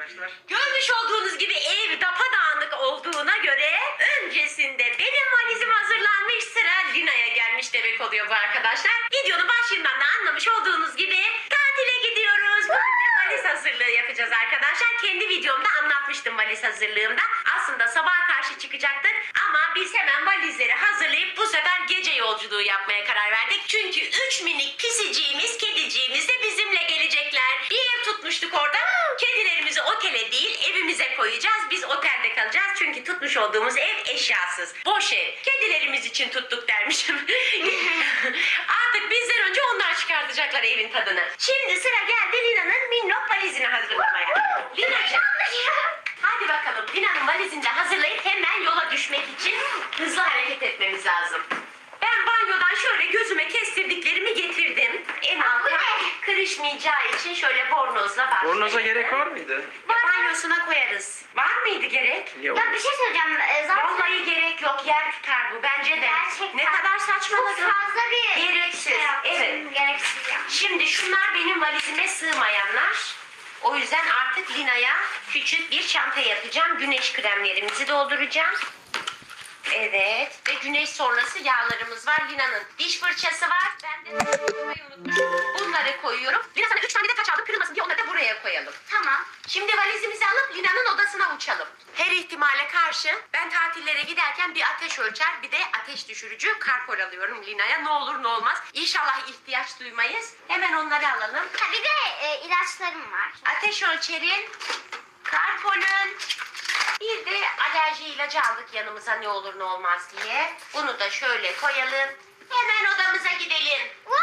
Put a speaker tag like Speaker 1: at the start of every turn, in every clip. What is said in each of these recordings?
Speaker 1: arkadaşlar.
Speaker 2: Görmüş olduğunuz gibi ev dağınık olduğuna göre öncesinde benim valizim hazırlanmış, sıra Lina'ya gelmiş demek oluyor bu arkadaşlar. Videonun başından da anlamış olduğunuz gibi tatile gidiyoruz. Bugün de valiz hazırlığı yapacağız arkadaşlar. Kendi videomda anlatmıştım valiz hazırlığımda. Aslında sabaha karşı çıkacaktık ama biz hemen valizleri hazırlayıp bu sefer gece yolculuğu yapmaya karar verdik. Çünkü 3 minik pisiciğimiz, kediciğimiz de bizimle gelecekler. Bir ev tutmuştuk orada. Kedilerimizi otele değil evimize koyacağız. Biz otelde kalacağız. Çünkü tutmuş olduğumuz ev eşyasız. Boş ev. Kedilerimiz için tuttuk dermişim. Artık bizden önce onlar çıkartacaklar evin tadını. Şimdi sıra geldi Lina'nın minnok valizini hazırlamaya. Lina'cığım. Hadi bakalım. Lina'nın valizini de hazırlayıp hemen yola düşmek için hızlı hareket etmemiz lazım. Ben banyodan şöyle gözüme kestirdiklerimi getirdim. En alta kırışmayacağı için şöyle bornozla başlayalım.
Speaker 1: Bornoza gerek var mıydı?
Speaker 2: Banyosuna koyarız. Var mıydı gerek?
Speaker 1: Yok.
Speaker 3: Ya bir şey söyleyeceğim. Zaten
Speaker 2: Vallahi gerek yok. Yer tutar bu. Bence de.
Speaker 3: gerçekten
Speaker 2: Ne kadar saçmaladın.
Speaker 3: çok fazla bir
Speaker 2: Gereksiz.
Speaker 3: şey yaptım.
Speaker 2: Evet.
Speaker 3: Gereksiz ya.
Speaker 2: Şimdi şunlar benim valizime sığmayanlar. O yüzden artık Lina'ya küçük bir çanta yapacağım. Güneş kremlerimizi dolduracağım. Evet. Ve güneş sonrası yağlarımız var. Lina'nın diş fırçası var. Ben de unutmayı unutmuşum. Bunları koyuyorum. Lina sana 3 tane de taç aldım. Kırılmasın diye onları da buraya koyalım.
Speaker 3: Tamam.
Speaker 2: Şimdi valizimizi alıp Lina'nın odasına uçalım. Her ihtimale karşı ben tatillere giderken bir ateş ölçer, bir de ateş düşürücü karpol alıyorum Lina'ya. Ne olur ne olmaz. İnşallah ihtiyaç duymayız. Hemen onları alalım.
Speaker 3: Ha, bir de ilaçlarım var.
Speaker 2: Ateş ölçerin, karpolun, bir de alerji ilacı aldık yanımıza ne olur ne olmaz diye. Bunu da şöyle koyalım. Hemen odamıza gidelim.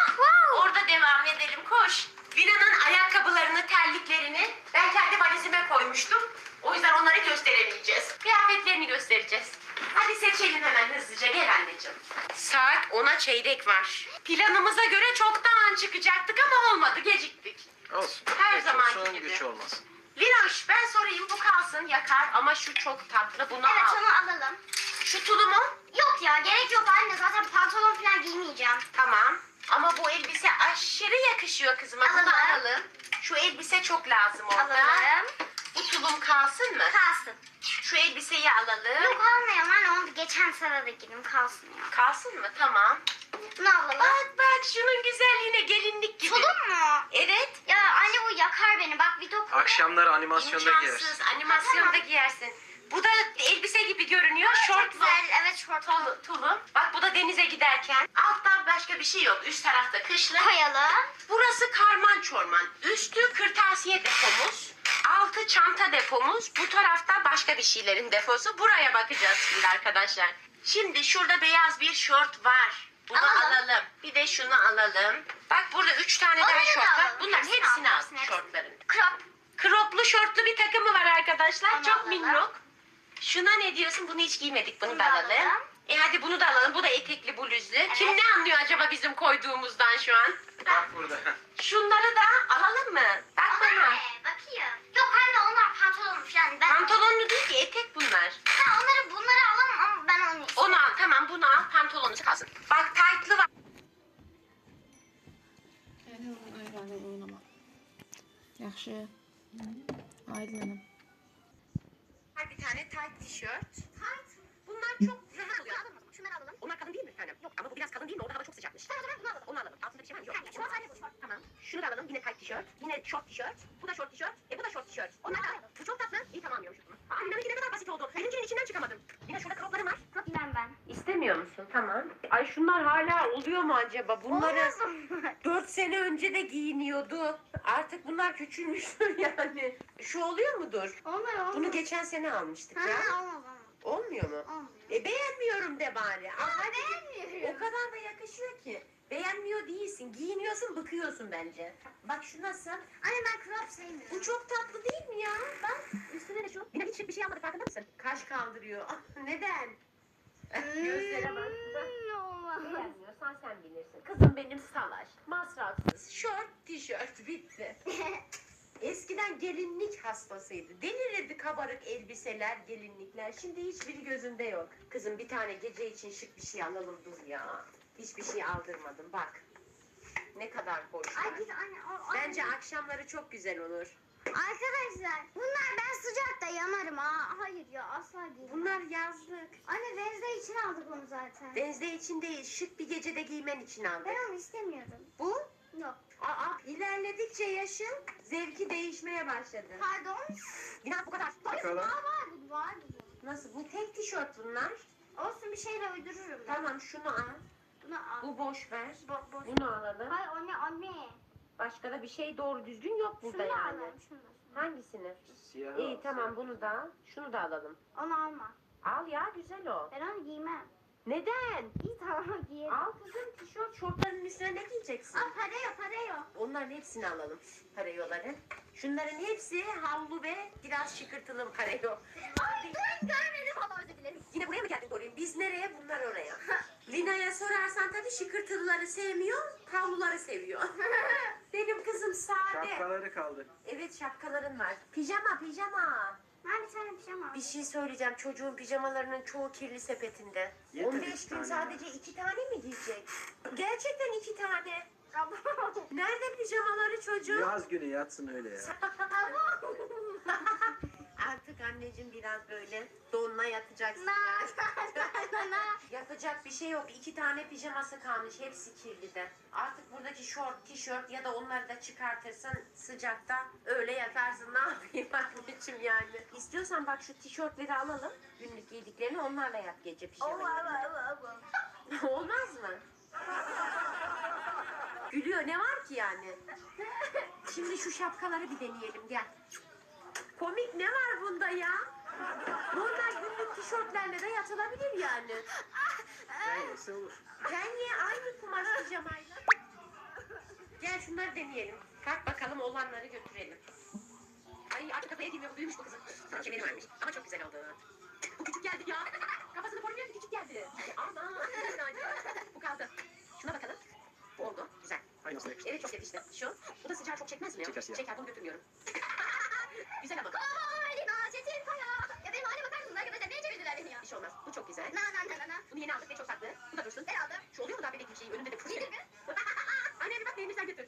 Speaker 2: Orada devam edelim, koş. Lina'nın ayakkabılarını, terliklerini ben kendi valizime koymuştum. O yüzden onları gösteremeyeceğiz. Kıyafetlerini göstereceğiz. Hadi seçelim hemen hızlıca, gel anneciğim. Saat 10'a çeyrek var. Planımıza göre çoktan çıkacaktık ama olmadı, geciktik.
Speaker 1: Olsun.
Speaker 2: Her
Speaker 1: Geç
Speaker 2: zamanki
Speaker 1: olsun,
Speaker 2: gibi.
Speaker 1: güç olmasın.
Speaker 2: Linoş, ben sorayım, bu kalsın, yakar ama şu çok tatlı, bunu
Speaker 3: Evet,
Speaker 2: al.
Speaker 3: onu alalım.
Speaker 2: Şu tulumu?
Speaker 3: Yok ya, gerek yok anne. Zaten pantolon falan giymeyeceğim.
Speaker 2: Tamam. Ama bu elbise aşırı yakışıyor kızıma. Bunu
Speaker 3: Alalım.
Speaker 2: alalım. Şu elbise çok lazım orada.
Speaker 3: Alalım.
Speaker 2: Bu tulum kalsın mı?
Speaker 3: Kalsın.
Speaker 2: Şu elbiseyi alalım.
Speaker 3: Yok almayalım anne. Onu geçen sene de giydim. Kalsın ya.
Speaker 2: Kalsın mı? Tamam.
Speaker 3: Bunu alalım.
Speaker 2: Bak şunun güzelliğine, gelinlik gibi.
Speaker 3: Tulum mu?
Speaker 2: Evet.
Speaker 3: Ya anne bu yakar beni. Bak video
Speaker 1: Akşamları animasyonda
Speaker 2: İmkansız.
Speaker 1: giyersin.
Speaker 2: Animasyonda
Speaker 3: Tamam.
Speaker 2: giyersin. Bu da elbise gibi görünüyor.
Speaker 3: Çok
Speaker 2: Şortlu.
Speaker 3: güzel. Evet şort
Speaker 2: Tulum. Bak bu da denize giderken. Altta başka bir şey yok. Üst tarafta kışlık.
Speaker 3: koyalım.
Speaker 2: Burası karman çorman. Üstü kırtasiye depomuz. Altı çanta depomuz. Bu tarafta başka bir şeylerin deposu. Buraya bakacağız şimdi arkadaşlar. Şimdi şurada beyaz bir şort var. Bunu alalım. Bir de şunu alalım. Bak burada 3 tane
Speaker 3: Onları
Speaker 2: daha
Speaker 3: da
Speaker 2: şort var.
Speaker 3: alalım.
Speaker 2: Bunların
Speaker 3: Hepsini
Speaker 2: hepsini
Speaker 3: al,
Speaker 2: al
Speaker 3: hepsini.
Speaker 2: şortların.
Speaker 3: Crop.
Speaker 2: Kroplu şortlu bir takımı var arkadaşlar.
Speaker 3: Onu
Speaker 2: Çok
Speaker 3: alalım.
Speaker 2: minnok. Şuna ne diyorsun? Bunu hiç giymedik. Bunu
Speaker 3: Bunu
Speaker 2: da
Speaker 3: da
Speaker 2: alalım.
Speaker 3: alalım.
Speaker 2: Hadi bunu da alalım. Bu da etekli bluzlu. Kim ne anlıyor acaba bizim koyduğumuzdan şu an?
Speaker 1: Bak burada.
Speaker 2: Şunları da alalım mı? Bak bana.
Speaker 3: Anne bakayım. Yok anne onlar pantolon falan. Ben
Speaker 2: Pantolonlu değil ki, etek bunlar.
Speaker 3: Ha, bunları alalım ama ben onu istiyorum.
Speaker 2: Onu al, tamam, bunu al, pantolonu kalsın. Bak taytlı var.
Speaker 4: Ayranı oynama. Yaxşı. Aydınım.
Speaker 2: Var bir tane tayt tişört.
Speaker 3: Tayt.
Speaker 2: Bunlar çok rahat oluyor.
Speaker 3: Şunları alalım.
Speaker 2: Onlar kalın değil mi efendim? Yok ama bu biraz kalın değil mi? Orada hava çok sıcakmış.
Speaker 3: Tamam o zaman bunu alalım.
Speaker 2: Onu alalım. Altında bir şey var mı? Yok.
Speaker 3: Hayır, şort anne bu şort.
Speaker 2: Tamam. Şunu da alalım. Yine tayt tişört. Yine şort tişört. Bu da şort tişört. Bu da şort tişört. Onlar da. Bu çok tatlı. İyi tamam diyormuş bunu. Aa, Lina'nınki ne kadar basit oldu. Birincinin içinden çıkamadım. Yine şurada kroplarım var.
Speaker 3: Çok ben.
Speaker 2: İstemiyor musun? Tamam. Ay şunlar hala oluyor mu acaba? Bunları
Speaker 3: Olmaz mı?
Speaker 2: 4 sene önce de giyiniyordu. Artık bunlar küçülmüştür yani. Şu oluyor mudur?
Speaker 3: Olmaz.
Speaker 2: Bunu geçen sene almıştık ya.
Speaker 3: Ha, olmaz.
Speaker 2: Olmuyor mu?
Speaker 3: Olmuyor.
Speaker 2: Beğenmiyorum de bari. Aa, hadi.
Speaker 3: beğenmiyorum.
Speaker 2: O kadar da yakışıyor ki. Beğenmiyor değilsin. Giyiniyorsun, bıkıyorsun bence. Bak şu nasıl?
Speaker 3: Anne ben crop sevmiyorum.
Speaker 2: Bu çok tatlı değil mi ya? Bak üstüne de şu. Yine hiç bir şey almadı, farkında mısın? Kaş kaldırıyor. Ah, neden? Gözlere bak.
Speaker 3: Olmaz.
Speaker 2: Beğenmiyorsan sen bilirsin. Kızım benim salaş, masrafsız, şort, tişört bitti. Eskiden gelinlik hastasıydı. Delirirdi kabarık elbiseler, gelinlikler. Şimdi hiçbiri gözünde yok. Kızım bir tane gece için şık bir şey alalım dur ya. Hiçbir şey aldırmadım bak. Ne kadar hoş.
Speaker 3: Ay git anne.
Speaker 2: Bence akşamları çok güzel olur.
Speaker 3: Arkadaşlar bunlar ben sıcakta yanarım ha. Hayır ya asla giymem.
Speaker 2: Bunlar yazlık.
Speaker 3: Anne Wednesday için aldık onu zaten.
Speaker 2: Wednesday için değil, şık bir gecede giymen için aldık.
Speaker 3: Ben onu istemiyordum.
Speaker 2: Bu?
Speaker 3: Yok.
Speaker 2: İlerledikçe yaşın zevki değişmeye başladı.
Speaker 3: Pardon.
Speaker 2: İnan bu kadar.
Speaker 1: Bakalım.
Speaker 3: Vardı.
Speaker 2: Nasıl? Bu tek tişört bunlar.
Speaker 3: Olsun bir şeyle uydururum. ben.
Speaker 2: Tamam şunu al.
Speaker 3: Bunu al.
Speaker 2: Bu boş ver.
Speaker 3: Boş.
Speaker 2: Bunu alalım.
Speaker 3: Hayır anne.
Speaker 2: Başka da bir şey doğru düzgün yok burada
Speaker 3: Şunu da
Speaker 2: yani.
Speaker 3: alalım. Şunu da.
Speaker 2: Hangisini?
Speaker 1: Siyah.
Speaker 2: İyi tamam bunu da al. Şunu da alalım.
Speaker 3: Onu alma.
Speaker 2: Al ya güzel o.
Speaker 3: Ben onu giymem.
Speaker 2: Neden?
Speaker 3: İyi tamam giyelim.
Speaker 2: Al kızım tişört şortların üstüne ne giyeceksin?
Speaker 3: Al para yok.
Speaker 2: Onların hepsini alalım. Parayoları. Şunların hepsi havlu ve biraz şıkırtılı parayo.
Speaker 3: Ay ben görmedim ama özür dilerim.
Speaker 2: Yine buraya mı geldin Doreen? Biz nereye? Bunlar oraya. Lina'ya sorarsan tabii şıkırtılıları sevmiyor, havluları seviyor. Benim kızım sade.
Speaker 1: Şapkaları kaldı.
Speaker 2: Evet şapkaların var. Pijama.
Speaker 3: Ben bir tane pijama
Speaker 2: Bir şey söyleyeceğim. Çocuğun pijamalarının çoğu kirli sepetinde.
Speaker 1: Yeter
Speaker 2: 15
Speaker 1: iki
Speaker 2: gün
Speaker 1: tane.
Speaker 2: sadece 2 tane mi giyecek? Gerçekten 2 tane.
Speaker 3: aldım.
Speaker 2: Nerede pijamaları çocuğun?
Speaker 1: Yaz günü yatsın öyle ya.
Speaker 2: Artık anneciğim biraz böyle donla yatacaksın. Yapacak bir şey yok. 2 tane pijaması kalmış. Hepsi kirli de. Artık buradaki şort, tişört ya da onları da çıkartırsın sıcakta. Öyle yatarsın. Ne yapayım anneciğim yani. İstiyorsan bak şu tişörtleri alalım. Günlük giydiklerini onlarla yap gece pijamayı. Olmaz mı? Gülüyor. Ne var ki yani? Şimdi şu şapkaları bir deneyelim. Gel. Komik ne var bunda ya? Normal günlük tişörtlerle de yatılabilir yani.
Speaker 1: Neyse olur.
Speaker 2: Niye aynı kumaş pijamayla? Gel şunları deneyelim. Kalk bakalım olanları götürelim. Ay artık kafaya girmiyor. Büyümüş bu kızın. Sana kemeri varmış. Ama çok güzel oldu. Bu küçük geldi ya. Kafasını korumuyor ki küçük geldi. Ama bu kaldı. Şuna bakalım. Bu oldu. Güzel.
Speaker 1: Ay nasıl yakıştı?
Speaker 2: Evet çok yakıştı. Şu. Bu da sıcağı çok çekmez mi ya?
Speaker 1: Çeker sıcağı.
Speaker 2: Çeker bunu götürmüyorum. Güzel ama.
Speaker 3: Lina Çetin Kaya. Ya benim halime bakar mısınız arkadaşlar? Niye çevirdiler beni ya?
Speaker 2: Bir şey olmaz. Bu çok güzel.
Speaker 3: Na.
Speaker 2: Bunu yeni aldık ve çok tatlı. Bu da dursun.
Speaker 3: Ben aldım.
Speaker 2: Şu oluyor mu daha bebek bir şey? Önünde de fırçayı.
Speaker 3: Yedir mi?
Speaker 2: Anne bir bak beğenirsen götür.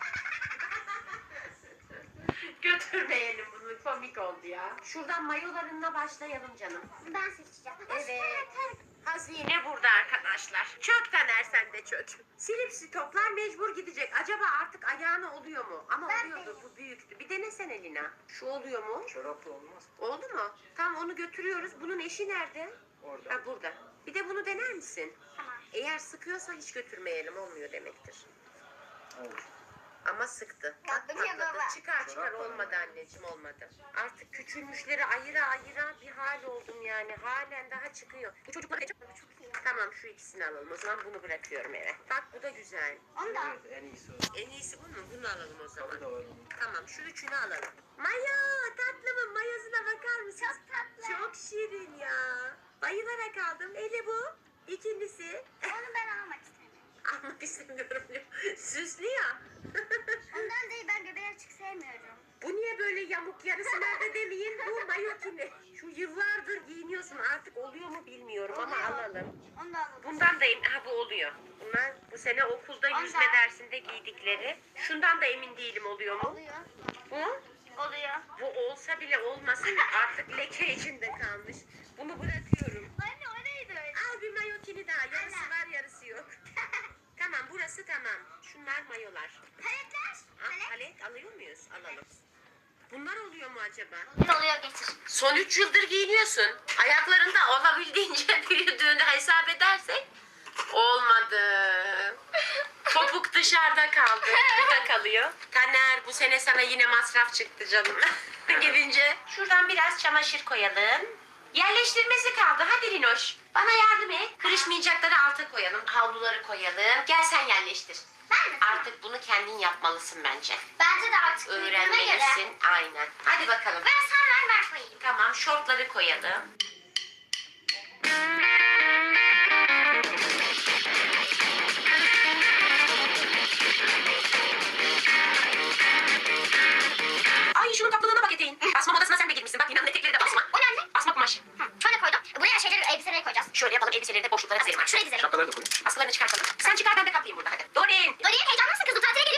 Speaker 2: Götürmeyelim bunu. Komik oldu ya. Şuradan mayolarınla başlayalım canım.
Speaker 3: Ben seçeceğim.
Speaker 2: Evet. Hazine burada arkadaşlar. Çök Taner sen de çök. Silip stoklar mecbur gidecek. Acaba artık ayağına oluyor mu? Ama
Speaker 3: Ben
Speaker 2: oluyordu. Bu büyüktü. Bir denesene Lina. Şu oluyor mu?
Speaker 1: Çoraplı olmaz.
Speaker 2: Oldu mu? Tamam onu götürüyoruz. Bunun eşi nerede?
Speaker 1: Orada.
Speaker 2: Ha burada. Bir de bunu dener misin?
Speaker 3: Tamam.
Speaker 2: Eğer sıkıyorsa hiç götürmeyelim. Olmuyor demektir.
Speaker 1: Olur.
Speaker 2: Ama sıktı. Bak
Speaker 3: Yaptım ya
Speaker 2: patladı.
Speaker 3: baba.
Speaker 2: Çıkar
Speaker 1: Çorap var
Speaker 2: olmadı anneciğim olmadı. Artık küçülmüşleri ayıra bir hal oldum yani. Halen daha çıkıyor. Bu çocuklar çok iyi. Tamam şu ikisini alalım. O zaman bunu bırakıyorum eve. Bak bu da güzel.
Speaker 3: Onu da al.
Speaker 1: Evet en iyisi o.
Speaker 2: En iyisi bu mu? Bunu alalım o zaman.
Speaker 1: Tadı da var onun.
Speaker 2: Tamam şu üçünü alalım. Mayo tatlımın mayosuna bakar mısınız?
Speaker 3: Çok tatlı.
Speaker 2: Çok şirin ya. Bayılarak aldım. Eli bu. İkincisi.
Speaker 3: Onu ben almak istemiyorum.
Speaker 2: Almak istemiyorum. Süslü ya.
Speaker 3: Ondan değil ben göbeği açık sevmiyorum.
Speaker 2: Bu niye böyle yamuk yarısı nerede demeyin bu mayokini. Şu yıllardır giyiniyorsun artık oluyor mu bilmiyorum ama
Speaker 3: Oluyor.
Speaker 2: alalım.
Speaker 3: Onu da alalım.
Speaker 2: Bundan da bu oluyor. Bunlar bu sene okulda yüzme
Speaker 3: Ondan.
Speaker 2: dersinde giydikleri. Şundan da emin değilim oluyor mu?
Speaker 3: Oluyor.
Speaker 2: Bu?
Speaker 3: Oluyor.
Speaker 2: Bu olsa bile olmasın artık leke içinde kalmış. Bunu bırakıyorum.
Speaker 3: Anne o neydi öyle?
Speaker 2: Al bir mayokini daha. Yarısı
Speaker 3: Anne.
Speaker 2: var yarısı yok. Tamam burası tamam. Şunlar mayolar.
Speaker 3: Paletler.
Speaker 2: Palet alıyor muyuz? Alalım. Bunlar oluyor mu acaba?
Speaker 3: Oluyor getir.
Speaker 2: Son 3 yıldır giyiniyorsun. Ayaklarında olabildiğince büyüdüğünü hesap edersek olmadı. Topuk dışarıda kaldı. Burada kalıyor. Taner bu sene sana yine masraf çıktı canım. Gidince şuradan biraz çamaşır koyalım. Yerleştirmesi kaldı. Hadi Linoş. Bana yardım et. Kırışmayacakları alta koyalım. Havluları koyalım. Gel sen yerleştir.
Speaker 3: Ben mi?
Speaker 2: Artık bunu kendin yapmalısın bence.
Speaker 3: Bence de artık büyüdüğüme göre.
Speaker 2: Öğrenmelisin. Aynen. Hadi bakalım.
Speaker 3: Ben koyayım.
Speaker 2: Tamam şortları koyalım. Ay şunun tatlılığına bak eteğin. Basma modasına sen de girmişsin. Bak Lina'nın etekleri de basma.
Speaker 3: O ne anne?
Speaker 2: Basma kumaş.
Speaker 3: Şöyle koydum. Buraya şeyleri, elbiseleri koyacağız.
Speaker 2: Şöyle yapalım elbiseleri de boşluklara dizelim.
Speaker 3: Şuraya dizelim.
Speaker 1: Şapkaları da koy.
Speaker 2: Askılarını çıkartalım. Sen çıkar ben de kaplayayım burada hadi. Doreen.
Speaker 3: Dorian heyecanlı mısın kızım? Tatile geliyorsun.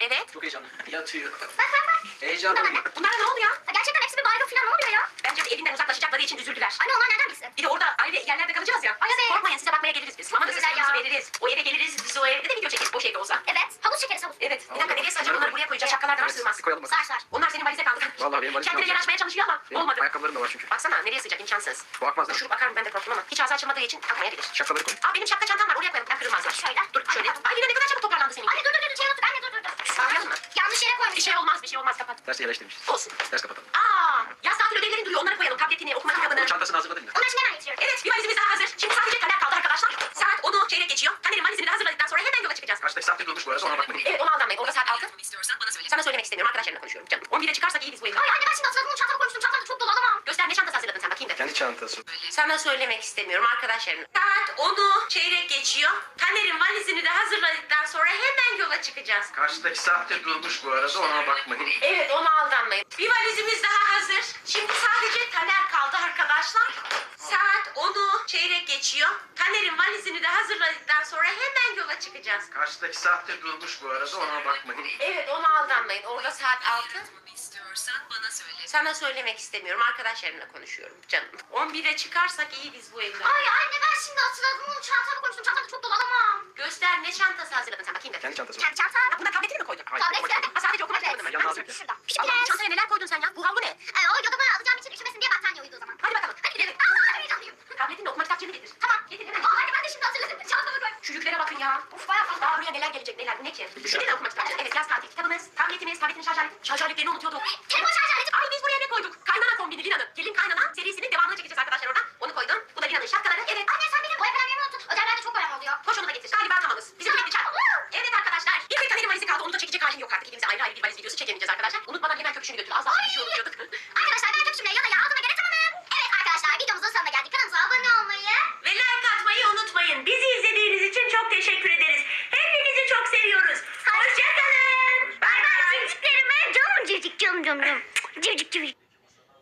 Speaker 2: Evet.
Speaker 1: Çok heyecanlı. Yatıyor.
Speaker 3: Bak bak bak.
Speaker 1: Heyecanlı.
Speaker 2: Bunlara ne oldu ya?
Speaker 3: Gerçekten hepsi bir baygın falan ne oluyor ya?
Speaker 2: Bence de evinden uzaklaşacakları için üzüldüler.
Speaker 3: Anne onlar nereden bilsin?
Speaker 2: Bir de orada ayrı yerlerde kalacağız ya.
Speaker 3: Ay, evet.
Speaker 2: Korkmayın, size bakmaya geliriz biz. Mama da
Speaker 3: Güzel
Speaker 2: sözümüzü
Speaker 3: ya.
Speaker 2: veririz. O eve geliriz, biz o evde de video çekeriz. Boş evde olsa.
Speaker 3: Evet. Havuz çekeriz havuz.
Speaker 2: Evet. Bir dakika nereye sığacak? Onları buraya koyacağız. Şapkalar da var, sığmaz.
Speaker 1: Bir koyalım bakalım.
Speaker 3: Sar sar.
Speaker 2: Onlar senin valize kaldı.
Speaker 1: Vallahi benim valizim
Speaker 2: Kendine
Speaker 1: yok.
Speaker 2: yanaşmaya çalışıyor ama
Speaker 1: Benim
Speaker 2: olmadı.
Speaker 1: ayakkabılarım da var çünkü.
Speaker 2: Baksana nereye sığacak, imkansız.
Speaker 1: Bu akmaz da.
Speaker 2: Şurup akar mı ben de korktum ama. Hiç ağzı açılmadığı için akmayabilir.
Speaker 1: Şapkaları koy.
Speaker 2: Benim şapka çantam var, oraya koyalım. Hem kırılmazlar.
Speaker 3: Şöyle.
Speaker 2: Dur şöyle. Ay yine ne kadar çabuk toparlandı senin.
Speaker 3: Anne dur şey unuttuk. Anne dur.
Speaker 2: Sağlayalım mı?
Speaker 3: Yanlış yere koymuş.
Speaker 2: Bir şey olmaz, bir şey olmaz. Kapat.
Speaker 1: Dersi yerleştirmişiz.
Speaker 2: Olsun.
Speaker 1: Ders kapatalım.
Speaker 2: Yaz tatil ödevlerin duruyor. Onları koyalım. Tabletini, okuma kitabını.
Speaker 1: Onun çantasını hazırladın mı?
Speaker 3: Onlar için hemen getiriyorum.
Speaker 2: Evet, bir valizimiz daha hazır. Şimdi sadece Taner kaldı arkadaşlar. Saat 10'u çeyrek geçiyor. Taner'in valizini de hazırladıktan sonra hemen yola çıkacağız.
Speaker 1: Kaçtaki saattir durmuş bu arada ona bakmayın.
Speaker 2: Evet, ona aldanmayın. Orada saat 6. Sana söylemek istemiyorum. Arkadaşlarımla konuşuyorum canım. 11'e çıkarsak iyi biz bu evden.
Speaker 3: Ay anne ben şimdi hatırladım. Onun çantamı koymuştum. Çantamda çok dolu alamam.
Speaker 2: Göster, ne çantası hazırladın sen, bakayım da.
Speaker 1: Kendi çantası.
Speaker 2: Sana söylemek istemiyorum arkadaşlarım. Saat 10'u çeyrek geçiyor. Taner'in valizini de hazırladıktan sonra hemen yola çıkacağız.
Speaker 1: Karşıdaki saattir durmuş bu arada ona bakmayın.
Speaker 2: Evet, ona aldanmayın. Bir valizimiz daha hazır. Şimdi sadece Taner kaldı arkadaşlar. Saat 10'u çeyrek geçiyor. Taner'in valizini de hazırladıktan sonra hemen yola çıkacağız.
Speaker 1: Karşıdaki saattir durmuş bu arada ona bakmayın.
Speaker 2: Evet, ona aldanmayın. Orada saat 6.
Speaker 5: İstiyorsan bana söyle.
Speaker 2: Sana söylemek istemiyorum. Arkadaşlarımla konuşuyorum canım. 11'e çıkarsak iyi biz bu evden.
Speaker 3: Ay anne ben şimdi hatırladım. Onun çantamı koymuştum. Çantamda çok dolu alamam.
Speaker 2: Göster, ne çantası hazırladın sen, bakayım da.
Speaker 1: Kendi çantası.
Speaker 3: Kendi çantam.
Speaker 2: Ha, buna tabletini mi koydun?
Speaker 1: Hayır,
Speaker 3: Tablet.
Speaker 1: okuma-
Speaker 2: Sadece okuma kitabını mı?
Speaker 1: Yanına
Speaker 2: Hangisi?
Speaker 1: alacak.
Speaker 3: Şurada.
Speaker 2: Allah'ım, çantaya neler koydun sen ya? Bu havlu ne?
Speaker 3: O yodamı alacağım için üşümesin diye battaniye uyudu o zaman.
Speaker 2: Hadi bakalım.
Speaker 3: Hadi gidelim. Allah heyecanlıyım.
Speaker 2: Tabletinle okuma kitapçığını getir.
Speaker 3: Tamam.
Speaker 2: Getir hemen.
Speaker 3: Aa anne ben de şimdi hatırladım. Çantamı koy.
Speaker 2: Şu yüklere bakın ya. Uf, bayağı fazla. Daha buraya neler gelecek, neler. Bu ne ki? Şimdi de okuma kitapçığı. Evet, yaz tatil kitabımız, tabletimiz, tabletin şarj aleti. Şarj aletlerini unutuyorduk.
Speaker 3: Telefon şarj aleti.
Speaker 2: Ay, biz buraya ne koyduk? Kaynana kombini Lina'nın. Gelin kaynana serisinin devamını çekeceğiz arkadaşlar oradan. Onu koydum. Bu da Lina'nın şapkaları. Evet.
Speaker 3: Anne sen benim boya kalemlerimi unuttun. Ödevlerde çok boyam oluyor.
Speaker 2: Koş onu da getir. Galiba tamamız. Bizim bitti çarp. Evet arkadaşlar. Bir tek Taner'in valizi kaldı. Onu da çekecek halim yok artık. İkimize ayrı ayrı bir valiz videosu çekemeyeceğiz arkadaşlar. Unutmadan hemen köpüşünü götür. Az daha bir şey unutuyorduk.
Speaker 3: Arkadaşlar ben köpüşümle yanaya aldığıma göre tamamım. Evet arkadaşlar videomuzun sonuna geldik. Kanalımıza abone olmayı.
Speaker 2: Ve like atmayı unutmayın. Bizi izlediğiniz için çok teşekkür ederiz. Hepinizi çok seviyoruz. Hoşçakalın. Bay bay.
Speaker 3: Civciklerime canım civcik canım. Civcik civcik.